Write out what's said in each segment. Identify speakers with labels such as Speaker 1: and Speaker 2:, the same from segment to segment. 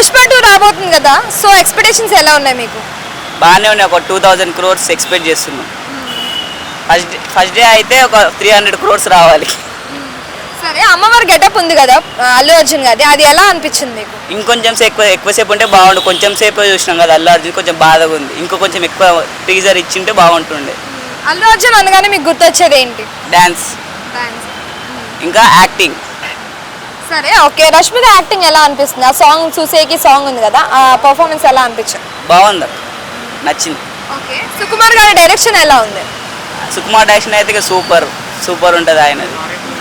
Speaker 1: పుష్ప 2 రాబోతుంది కదా, so expectations ఎలా ఉన్నాయి మీకు?
Speaker 2: బాగానే ఉన్నాయి. ఒక 2000 crores ఎక్స్పెక్ట్ చేస్తున్నాం. ఫస్ట్ డే అయితే ఒక 300 crores రావాలి.
Speaker 1: సరే, అమ్మవారి గెటప్ ఉంది కదా అల్లు అర్జున్ గారి, అది ఎలా అనిపించింది మీకు?
Speaker 2: ఇంకొంచెం ఎక్కువసేపు ఉంటే బాగుండు. కొంచెం సేపు చూసినాం కదా అల్లు అర్జున్, కొంచెం బాధగా ఉంది. ఇంకో కొంచెం ఎక్కువ టీజర్ ఇచ్చింటే బాగుంటుండే.
Speaker 1: అల్లు అర్జున్ అనగానే మీకు గుర్తొచ్చేది ఏంటి?
Speaker 2: డ్యాన్స్, ఇంకా యాక్టింగ్.
Speaker 1: సరే, ఓకే. రష్మిక యాక్టింగ్ ఎలా అనిపిస్తుంది? ఆ సాంగ్ చూసేకి సాంగ్ ఉంది కదా, ఆ పర్ఫార్మెన్స్ ఎలా అనిపించింది?
Speaker 2: బాగుంది, నచ్చింది.
Speaker 1: ఓకే. సుకుమార్ గారి డైరెక్షన్ ఎలా ఉంది?
Speaker 2: సుకుమార్ డైరెక్షన్ అయితే సూపర్ ఉంటుంది ఆయనది.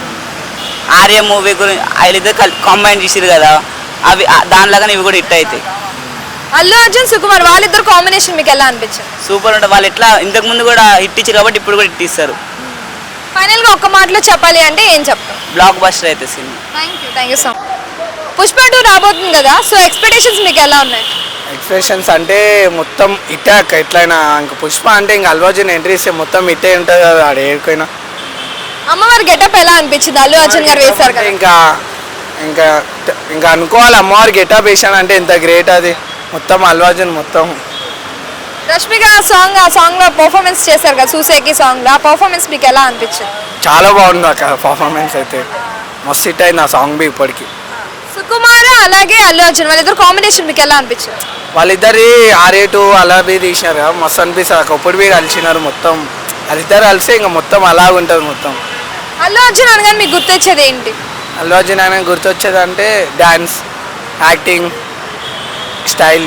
Speaker 2: ఆర్య మూవీ గురించి వీళ్ళిద్దరు కాంబైన్ చేసిరు కదా, అవి దానిలాగానే ఇవి కూడా హిట్ అవుతాయి.
Speaker 1: అల్లు అర్జున్ సుకుమార్ వాళ్ళిద్దరు కాంబినేషన్ మీకు ఎలా అనిపించింది?
Speaker 2: సూపర్ ఉంటుంది. వాళ్ళు ఎట్లా ఇంతకు ముందు కూడా హిట్ ఇచ్చారు కాబట్టి ఇప్పుడు కూడా హిట్ ఇస్తారు.
Speaker 1: ఫైనల్గా ఒక్క మాటలో చెప్పాలి అంటే ఏం చెప్తాం?
Speaker 2: బ్లాక్ బస్టర్ అయితే సినిమా.
Speaker 1: Thank you so much. Pushpa 2 రాబోతుంది కదా, సో ఎక్స్పెక్టేషన్స్ మీకు ఎలా ఉన్నాయి?
Speaker 3: ఎక్స్ప్రెషన్స్ అంటే మొత్తం ఇట్టాక ఎట్లయినా ఇంకా పుష్ప అంటే ఇంకా అల్లు అర్జున్ ఎంట్రీ ఇస్తే మొత్తం ఇట్టే ఉంటుంది కదా ఆడ ఏడుకైనా.
Speaker 1: అమ్మవారి గెటప్ ఎలా అనిపించింది? అల్లు అర్జున్ గారు వేశారు కదా.
Speaker 3: ఇంకా ఇంకా ఇంకా అనుకోవాలి అమ్మవారి గెటప్ వేసానంటే ఎంత గ్రేట్ అది. మొత్తం అల్లు అర్జున్ మొత్తం.
Speaker 1: రష్మిక ఆ సాంగ్ లో పర్ఫార్మెన్స్ చేశారు కదా చూసేకి సాంగ్ లో, ఆ పర్ఫార్మెన్స్ మీకు ఎలా అనిపించింది?
Speaker 3: చాలా బాగుంది అక్క పర్ఫార్మెన్స్ అయితే, మస్తు హిట్ అయింది ఆ సాంగ్ బి ఇప్పటికి.
Speaker 1: సుకుమార్ అలాగే అల్లు అర్జున్ వాళ్ళిద్దరు కాంబినేషన్ మీకు ఎలా అనిపించింది?
Speaker 3: వాళ్ళిద్దరి ఆరేటు అలా బి తీసినారు కదా, మస్తు అనిపిస్తుంది అక్క. ఇప్పుడు బి కలిసినారు మొత్తం, వాళ్ళిద్దరు కలిసి ఇంకా మొత్తం అలాగ ఉంటుంది మొత్తం.
Speaker 1: అల్లు అర్జున్ అనగానే మీకు గుర్తొచ్చేది ఏంటి?
Speaker 3: అల్లు అర్జున్ ఆయన గుర్తొచ్చేది అంటే డ్యాన్స్, యాక్టింగ్, స్టైల్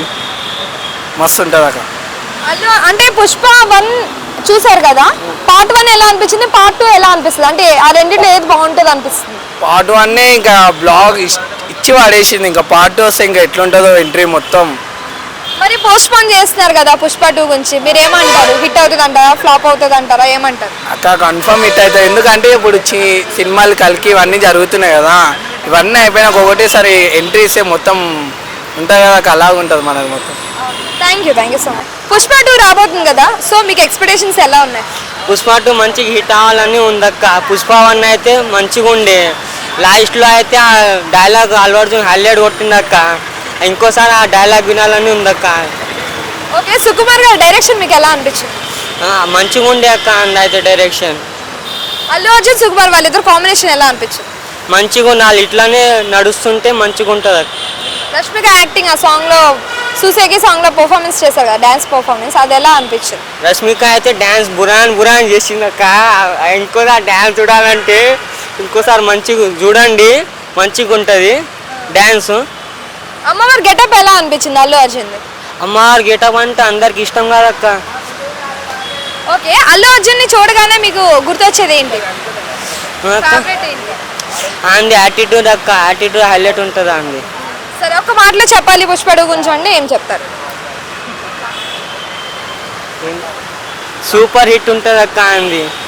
Speaker 3: మస్తు ఉంటుంది అక్క.
Speaker 1: అల్లు అంటే పుష్ప 1 చూసారు కదా, పార్ట్ 1 ఎలా అనిపించింది, పార్ట్ 2 ఎలా అనిపిస్తుంది? అంటే ఆ రెండింటిలో ఏది బాగుంటుంది అనిపిస్తుంది?
Speaker 3: పార్ట్ 1 ఇంకా బ్లాగ్ ఇచ్చి పడేసింది, ఇంకా పార్ట్ 2 వస్తే ఇంకా ఎట్లుంటుందో ఎంట్రీ మొత్తం.
Speaker 1: మరి పోస్ట్ పోన్ చేస్తున్నారు కదా పుష్ప 2 గురించి, మీరు ఏమంటారు? హిట్ అవుతుంది అంటారా, ఫ్లాప్ అవుతుంది అంటారా, ఏమంటారు?
Speaker 3: అక్క కన్ఫర్మ్ హిట్ అవుతుంది. ఎందుకంటే ఇప్పుడు సినిమాలు కలికి ఇవన్నీ జరుగుతున్నాయి కదా, ఇవన్నీ అయిపోయినాక ఒకటేసారి ఎంట్రీ ఇస్తే మొత్తం ఉంటుంది కదా అక్క, అలాగ ఉంటుంది మనది మొత్తం.
Speaker 1: Thank you so much. Pushpa 2 రాబోతుంది కదా, సో మీకు ఎక్స్పెక్టేషన్స్ ఎలా ఉన్నాయి?
Speaker 4: పుష్ప 2 మంచిగా హిట్ అవ్వాలని ఉందక్క. పుష్ప 1 అయితే మంచిగా ఉండే, లాస్ట్లో అయితే ఆ డైలాగ్ అల్లు అర్జున్ హైలైట్ కొట్టిందక్క. ఇంకోసారి ఆ డైలాగ్ వినాలని ఉందక్క.
Speaker 1: ఓకే. సుకుమార్ గారి డైరెక్షన్ మీకు ఎలా అనిపించింది?
Speaker 4: మంచిగా ఉండే అక్క అయితే డైరెక్షన్.
Speaker 1: అల్లు అర్జున్ సుకుమార్ వాళ్ళిద్దరు కాంబినేషన్ ఎలా అనిపించింది?
Speaker 4: మంచిగా ఉంది, వాళ్ళు ఇట్లానే నడుస్తుంటే మంచిగా ఉంటుంది అక్క.
Speaker 1: రష్మిక యాక్టింగ్ ఆ సాంగ్ లో చూసేకి సాంగ్ లో పర్ఫార్మెన్స్ చేశారు కదా, డాన్స్ పర్ఫార్మెన్స్, అది ఎలా అనిపించింది?
Speaker 4: రష్మిక అయితే డ్యాన్స్ బురాన్ చేసిందక్క. ఇంకోసారి డ్యాన్స్ చూడాలంటే ఇంకోసారి మంచిగా చూడండి, మంచిగా ఉంటుంది డ్యాన్స్.
Speaker 1: అమ్మవారి గెటప్ ఎలా అనిపించింది అల్లు అర్జున్?
Speaker 4: అమ్మవారి గెటప్ అంటే అందరికి ఇష్టం కాదక్క.
Speaker 1: ఓకే. అల్లు అర్జున్ ని చూడగానే మీకు గుర్తొచ్చేది ఏంటి?
Speaker 4: అంది యాటిట్యూడ్ అక్క, యాటిట్యూడ్ హైలైట్ ఉంటుంది అంది.
Speaker 1: సరే, ఒక మాటలో చెప్పాలి పుష్ప 2 గురించి అంటే ఏం చెప్తారు?
Speaker 4: సూపర్ హిట్ ఉంటుంది అక్క అంది.